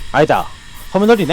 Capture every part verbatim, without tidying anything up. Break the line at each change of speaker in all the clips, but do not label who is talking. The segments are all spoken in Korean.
아니다. 터미널이네?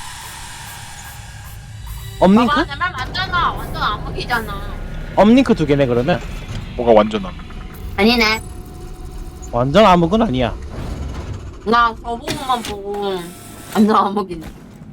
업링크?
봐봐, 내말 맞잖아. 완전 암흑이잖아.
업링크 두 개네, 그러면.
뭐가 완전함.
아니네.
완전 암흑은 아니야.
나 저보고만 보고 완전 암흑이네.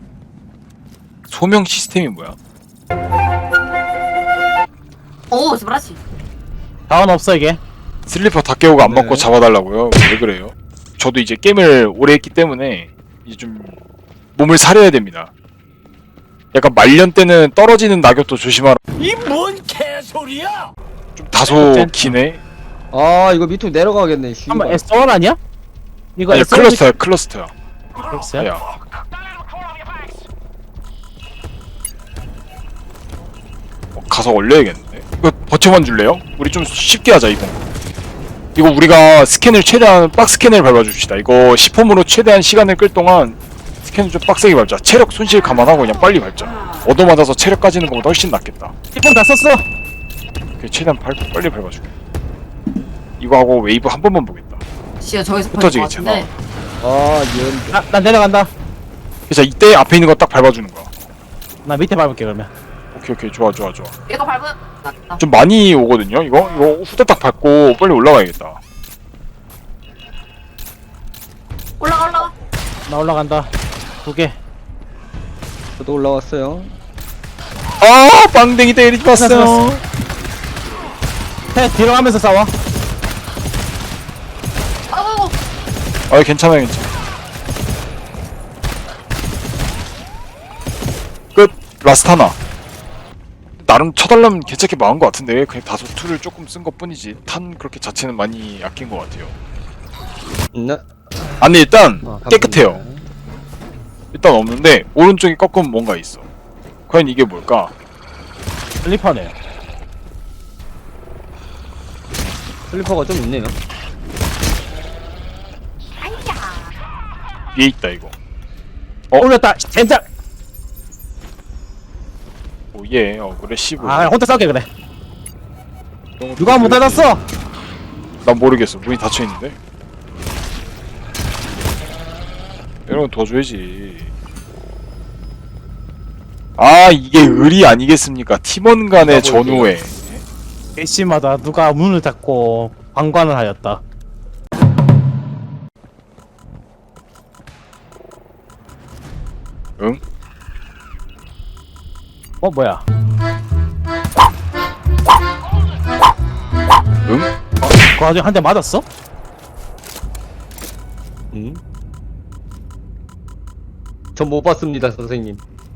소명 시스템이 뭐야?
오, 스브라치.
다운 없어, 이게.
슬리퍼 다 깨우고 안
네.
맞고 잡아달라고요? 왜 그래요? 저도 이제 게임을 오래 했기 때문에 이제 좀 몸을 사려야 됩니다. 약간 말년 때는 떨어지는 낙엽도 조심하라.
이 뭔 개소리야?
좀 다소 기네.
아 이거 밑으로 내려가겠네. 씨.
한번 에스 원 아니야? 이거
아니
에스 원
클러스터야 클러스터야.
클러스야?
야. 어, 가서 올려야겠는데. 이거 버텨만 줄래요? 우리 좀 쉽게 하자 이거. 이거 우리가 스캔을 최대한 박스 스캔을 밟아줍시다. 이거 십 홈으로 최대한 시간을 끌 동안 스캔을 좀 빡세게 밟자. 체력 손실 감안하고 그냥 빨리 밟자. 얻어맞아서 체력 까지는 것보다 훨씬 낫겠다.
십 분 다 썼어!
그래, 최대한 밟, 빨리 밟아줄게. 이거 하고 웨이브 한 번만 보겠다.
씨야, 저기서
흩어지겠지,
것 같은데.
아 이런.
나, 나 내려간다.
그래서 이때 앞에 있는 거 딱 밟아주는 거야.
나 밑에 밟을게, 그러면.
오케이 오케이 좋아 좋아 좋아.
이거 밟으 낫다.
좀 많이 오거든요. 이거 이거 후다닥 밟고 빨리 올라가야겠다.
올라가, 올라가.
나 올라간다. 두 개.
저도 올라왔어요.
아 빵댕이 때리지 마세요.
해, 뒤로 가면서 싸워.
아우,
아 괜찮아요 괜찮아. 끝. 라스트 하나. 나름 쳐달라면 괜찮게 막은 것 같은데 그냥 다소 툴을 조금 쓴 것 뿐이지 탄 그렇게 자체는 많이 아낀 것 같아요.
나.
아니 일단
아,
깨끗해요.
감사합니다.
일단 없는데 오른쪽에 꺾으면 뭔가 있어. 과연 이게 뭘까?
슬리퍼네.
슬리퍼가 좀 있네요.
위에 있다 이거.
어, 올렸다. 젠장!
오예 어 그래 시브.
아, 혼자 싸울게, 그래. 누가 못 닫았어?
난 모르겠어. 문이 닫혀 있는데. 이런 건 도와줘야지. 아 이게 의리 아니겠습니까? 팀원 간의 전우회.
개씨마다 누가 문을 닫고 방관을 하였다.
응?
어, 뭐야?
응?
그 와중에 한 대 맞았어?
응? 전 못 봤습니다 선생님.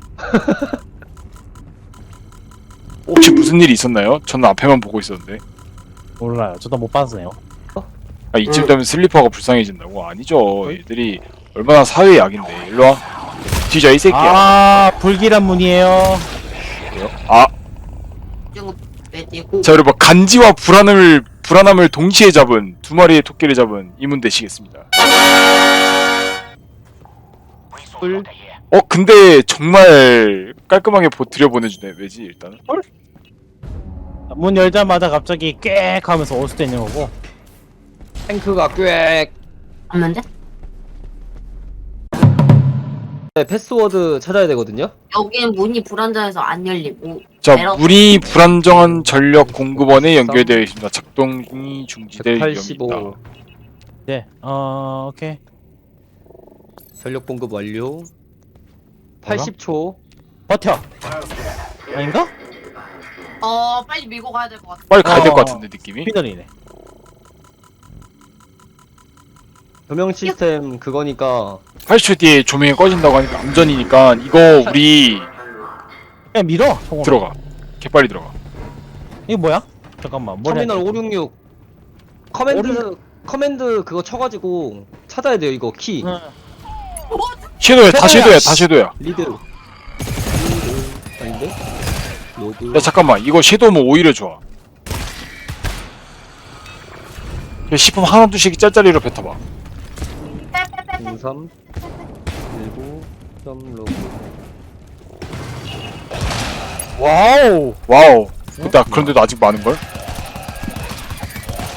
혹시 무슨 일이 있었나요? 저는 앞에만 보고 있었는데.
몰라요. 저도 못 봤어요.
아 이쯤 되면 슬리퍼가 불쌍해진다고? 아니죠. 얘들이 얼마나 사회의 약인데. 일로와. 뒤져 이 새끼야.
아, 불길한 문이에요.
그래요? 아,
이거 빼고.
자 여러분 간지와 불안을 불안함을 동시에 잡은 두 마리의 토끼를 잡은 이문 되시겠습니다.
뿔.
어 근데 정말 깔끔하게 보, 들여보내주네. 왜지 일단은?
문 열자마자 갑자기 꽥 하면서 올 수도 있는 거고.
탱크가 꽥.
없는데?
네, 패스워드 찾아야 되거든요.
여기는 문이 불안정해서 안 열리고.
자
에러.
물이 불안정한 전력 공급원에 연결되어 있습니다. 작동이 중지될
백팔십오.
위험이다.
네, 어, 오케이.
전력 공급 완료. 팔십 초.
버텨. 아닌가?
어, 빨리 밀고 가야 될 것 같아.
빨리 가야 될 것
어.
같은데 느낌이?
피더리네.
조명 시스템 그거니까.
팔십 초 뒤에 조명이 꺼진다고 하니까 암전이니까 이거 우리
그냥 밀어. 총으로.
들어가. 개빨리 들어가.
이거 뭐야? 잠깐만. 뭘
터미널
해야 돼?
오육육. 커맨드 커맨드 그거 쳐가지고 찾아야 돼요 이거 키.
응.
섀도우야 다
섀도우야,
섀도우야 다 섀도우야.
리드. 리드. 아닌데? 로드.
야 잠깐만 이거 섀도우면 오히려 좋아. 십 분 하나 둘씩 짤짤이로 뱉어봐.
공삼 일구 점 로그.
와우.
와우. 근데 그런데도 아직 많은걸?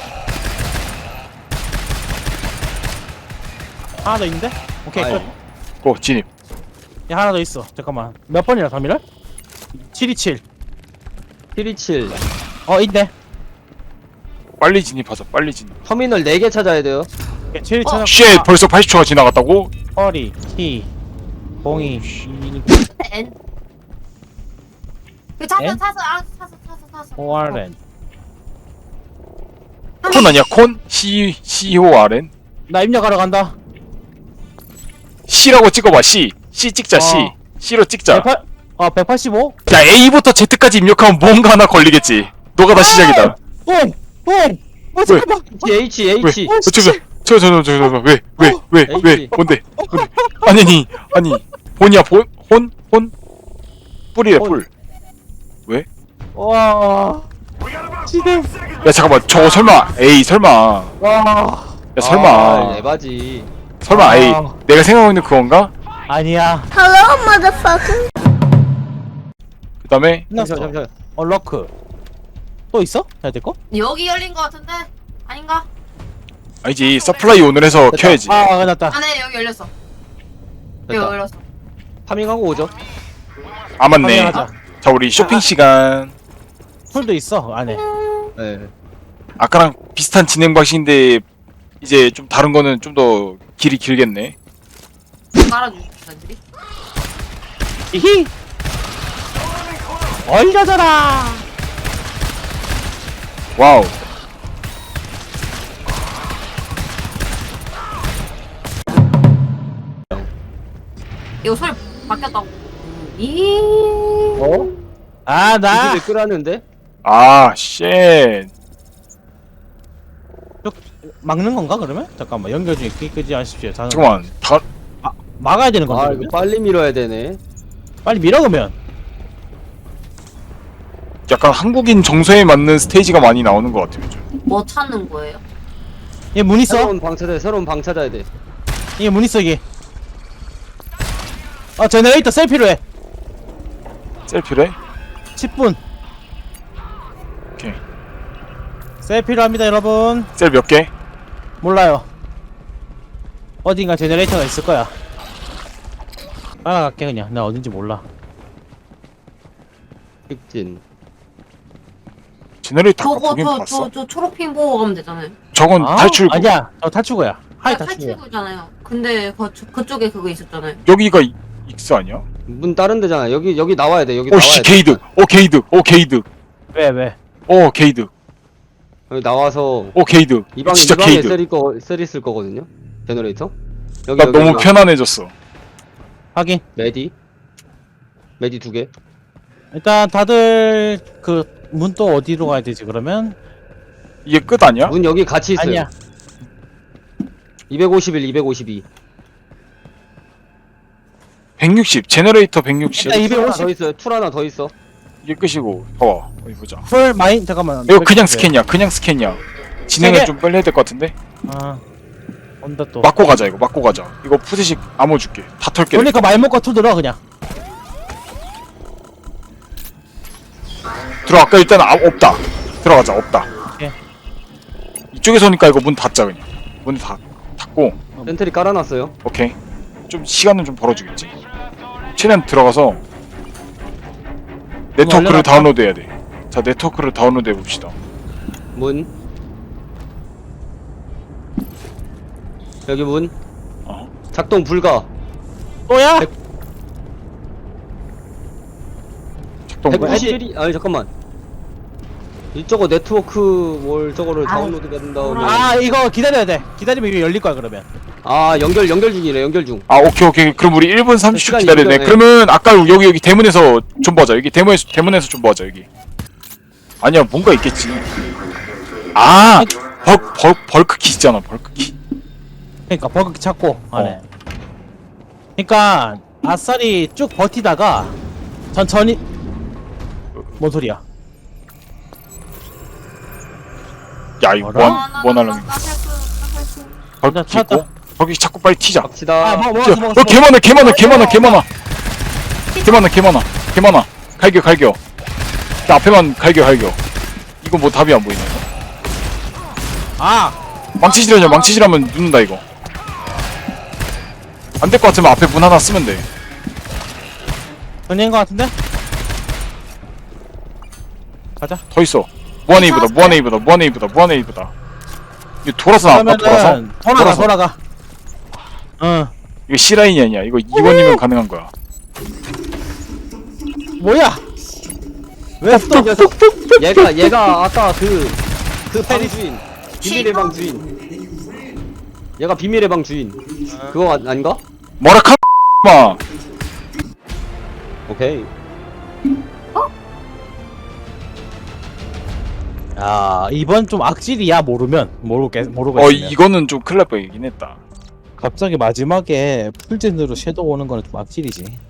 하나 더 있는데? 오케이,
아이.
끝.
고 진입.
야 하나 더 있어. 잠깐만. 몇 번이야 삼일을? 칠이칠.
칠이칠.
어 있네.
빨리 진입하자. 빨리 진입.
터미널 네 개 찾아야 돼요.
칠이
어,
찾아.
쉣 벌써 팔십 초가 지나갔다고?
허리 키 공이
N. 그 차서
N?
차서 아 차서 차서 차서.
오알엔.
콘 아니야 콘? C C O R N?
나 입력하러 간다.
C라고 찍어봐. C C 찍자. C
어.
C로 찍자.
백팔 어 백팔십오.
야 A부터 Z까지 입력하면 뭔가 하나 걸리겠지. 너가 다 시작이다.
뽕! 뽕! 어 잠깐만.
H
왜?
H.
어, 씨.
저저저저저왜왜왜왜 왜?
H.
뭔데? 뭔데? 아니 아니 아니 본이야 본? 혼? 혼? 뿔이래 뿔.
와. 지대.
야 잠깐만 저거 설마 A 설마
와.
야 설마
아, 에바지.
설마
아.
A 내가 생각하고 있는 그건가?
아니야.
그 다음에
끝났어.
잠시만 잠시만.
어 러크. 또 있어? 해야 될 거?
여기 열린 거 같은데 아닌가?
아니지 서플라이 오늘 해서
됐다.
켜야지.
아 끝났다.
아네 여기 열렸어. 여기
됐다.
열렸어.
파밍하고 오죠.
아 맞네.
파밍하자.
자 우리 쇼핑 시간.
풀도 있어 안에.
네.
아까랑 비슷한 진행 방식인데 이제 좀 다른 거는 좀 더 길이 길겠네.
깔아주십시오 단지.
이히. 얼려져라.
와우.
이거 소리 바뀌었다고. 이.
어?
아 나.
이집에 끄라는데?
아 쉣.
막는 건가 그러면? 잠깐만 연결 중에 끄- 끄지 마십시오. 자는
잠깐만 다
막아야 되는 건데
아
그러면?
이거 빨리 밀어야 되네.
빨리 밀어 그러면.
약간 한국인 정서에 맞는 스테이지가 많이 나오는 것 같아요 요즘.
뭐 찾는 거예요?
얘 문 있어?
새로운 방 찾아야 돼. 새로운 방 찾아야 돼.
이게 문 있어 이게. 아 제너레이터 셀피로 해.
셀피래?
십 분.
오케이.
셀피로 합니다 여러분.
셀 몇 개?
몰라요. 어딘가 제너레이터가 있을 거야. 따라갈게 그냥. 나 어딘지 몰라.
직진.
제너레이터 아까
저거
보긴
저
봤어.
저 저 초록핀 보고 가면 되잖아요.
저건
아?
탈출구.
아니야. 저 탈출구야. 하이
아,
탈출구야.
탈출구잖아요. 근데 그, 그쪽에 그거 있었잖아요.
여기가 이- 익스 아니야?
문 다른 데잖아. 여기 여기 나와야 돼. 여기
오씨
나와야 돼.
게이득. 오 게이득. 오 게이득.
왜 왜?
오 게이득.
여기 나와서
오 게이득.
이 방,
진짜
이 방에
게이득.
셀 거, 셀 있을 거거든요. 제너레이터. 여기
나
여기
너무
여기.
편안해졌어.
확인.
메디. 메디 두 개.
일단 다들 그 문 또 어디로 가야 되지 그러면?
이게 끝 아니야?
문 여기 같이 있어요.
아니야.
이백오십일, 이백오십이.
백육십. 제너레이터 백육십.
일단
툴 하나 더
이백오십.
있어요. 툴 하나 더 있어.
이게 끝이고. 봐봐. 어디 보자.
풀 마인 잠깐만.
이거 그냥
네.
스캔이야. 그냥 스캔이야. 진행을
세 개?
좀 빨리 해야 될 것 같은데?
아. 온다 또.
맞고 가자 이거. 맞고 가자. 이거 푸드식 암호 줄게. 다 털게.
그러니까 말목과 투 들어 그냥.
들어갈까? 일단 아, 없다. 들어가자. 없다.
오케이.
이쪽에서 오니까 이거 문 닫자 그냥. 문 닫, 닫고.
센트리 깔아놨어요.
오케이. 좀 시간은 좀 벌어주겠지. 최대한 들어가서 네트워크를
알려놨다.
다운로드 해야 돼. 자, 네트워크를 다운로드 해봅시다.
문. 여기 문.
어.
작동 불가.
또야?
백-
작동.
백-
백구십일이 아니 잠깐만. 이쪽어 네트워크 뭘 저거를 다운로드 받은 다음에
아 이거 기다려야 돼. 기다리면 이거 열릴 거야 그러면.
아 연결 연결 중이래 연결 중.
아, 오케이, 오케이. 그럼 우리 일 분 삼십 초
시간이
기다려야 돼.
있네.
그러면 아까 여기 여기 대문에서 좀 보자. 여기 대문에서 대문에서 좀 보자 여기. 아니야, 뭔가 있겠지. 아, 벌, 벌, 벌크키 있잖아. 벌크키.
그러니까 버그 찾고 안에.
어.
그러니까 아싸리 쭉 버티다가 천천히. 뭔 소리야?
야, 이거
뭐라?
뭐, 뭐 하려는 거야? 벌크키
찾았다.
있고. 벌크키 찾고 빨리 튀자.
갑시다.
아 뭐,
저,
먹었어 먹었어.
어, 개 많아, 개 많아, 개 많아, 개 많아. 개 많아, 개 많아, 개 많아. 갈겨, 갈겨. 나 앞에만 갈겨, 갈겨. 이거 뭐 답이 안 보이네.
아
망치질하냐, 망치질하면 눕는다, 이거. 안 될 것 같으면 앞에 문 하나 쓰면 돼.
전인 것 같은데? 가자.
더 있어. 무한웨이브다, 무한웨이브다, 무한웨이브다, 무한웨이브다. 이거 돌아서 나왔다, 돌아서?
그러면은 돌아가
돌아서.
돌아가. 응.
이거 C라인이 아니야. 이거 이 번이면 가능한 거야.
뭐야? 왜
이 녀석. 얘가 얘가 아까 그 그 방 주인 비밀의 방 주인. 얘가 비밀의 방 주인. 그거 아, 아닌가?
뭐라 카 마.
오케이.
야 이번 좀 악질이야 모르면 모르겠 모르고
어
있으면.
이거는 좀 큰일 날 뻔이긴 했다.
갑자기 마지막에 풀젠으로 섀도우 오는 거는 좀 악질이지.